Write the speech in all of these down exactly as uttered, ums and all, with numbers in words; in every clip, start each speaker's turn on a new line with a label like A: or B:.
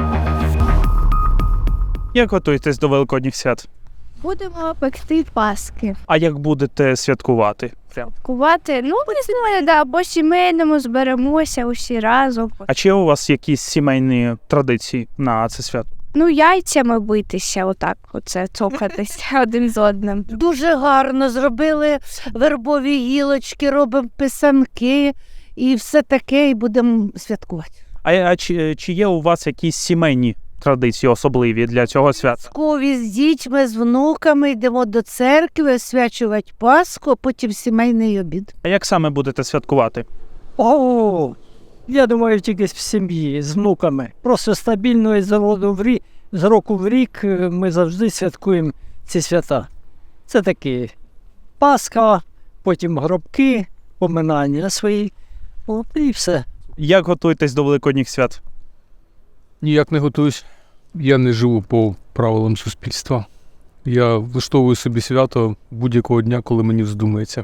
A: Як готуєтесь до Великодніх свят?
B: Будемо пекти паски.
A: А як будете святкувати? Прям.
B: Кувати, ну, не знаю, да, або сімейному зберемося усі разом.
A: А чи є у вас якісь сімейні традиції на це свято?
B: Ну, яйцями битися, отак, оце, цокатися один з одним.
C: Дуже гарно зробили вербові гілочки, робимо писанки і все таке, і будемо святкувати.
A: А, а чи, чи є у вас якісь сімейні традиції особливі для цього свята?
C: Скові з дітьми, з внуками йдемо до церкви, освячувати Пасху, а потім сімейний обід.
A: А як саме будете святкувати?
D: О, я думаю, тільки в сім'ї, з внуками. Просто стабільно і з року в рік, з року в рік ми завжди святкуємо ці свята. Це такі Пасха, потім гробки, поминання свої, о, і все.
A: Як готуєтесь до Великодніх свят?
E: Ніяк не готуюсь. Я не живу по правилам суспільства. Я влаштовую собі свято будь-якого дня, коли мені вздумається.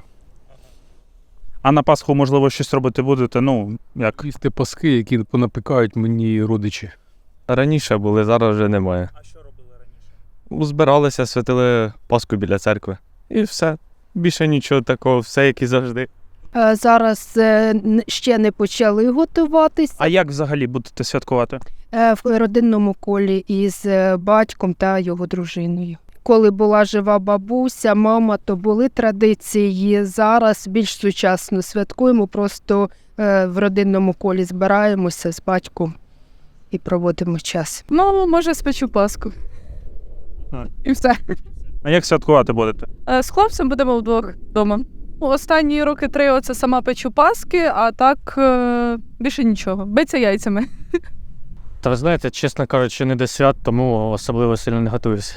A: А на Пасху, можливо, щось робити будете? Ну, як?
E: Їсти паски, які понапікають мені родичі.
F: Раніше були, зараз вже немає.
A: А що робили раніше?
F: Збиралися, святили Пасху біля церкви. І все. Більше нічого такого, все як і завжди.
G: Е, Зараз е, н- ще не почали готуватися.
A: А як взагалі будете святкувати?
G: Е, В родинному колі із е, батьком та його дружиною. Коли була жива бабуся, мама, то були традиції. Зараз більш сучасно святкуємо, просто е, в родинному колі збираємося з батьком і проводимо час.
H: Ну, може, спечу паску.
A: А.
H: І все.
A: А як святкувати будете?
H: Е, З хлопцем будемо вдвох вдома. Останні роки три оце сама печу паски, а так е, більше нічого. Биться яйцями.
I: Та ви знаєте, чесно кажучи, не до свят, тому особливо сильно не готуюся.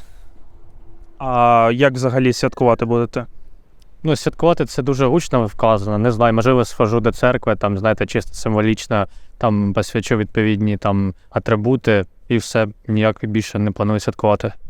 A: А як взагалі святкувати будете?
I: Ну, святкувати це дуже гучно вказано. Не знаю, можливо, схожу до церкви, там, знаєте, чисто символічно, там посвячу відповідні там атрибути і все, ніяк більше не планую святкувати.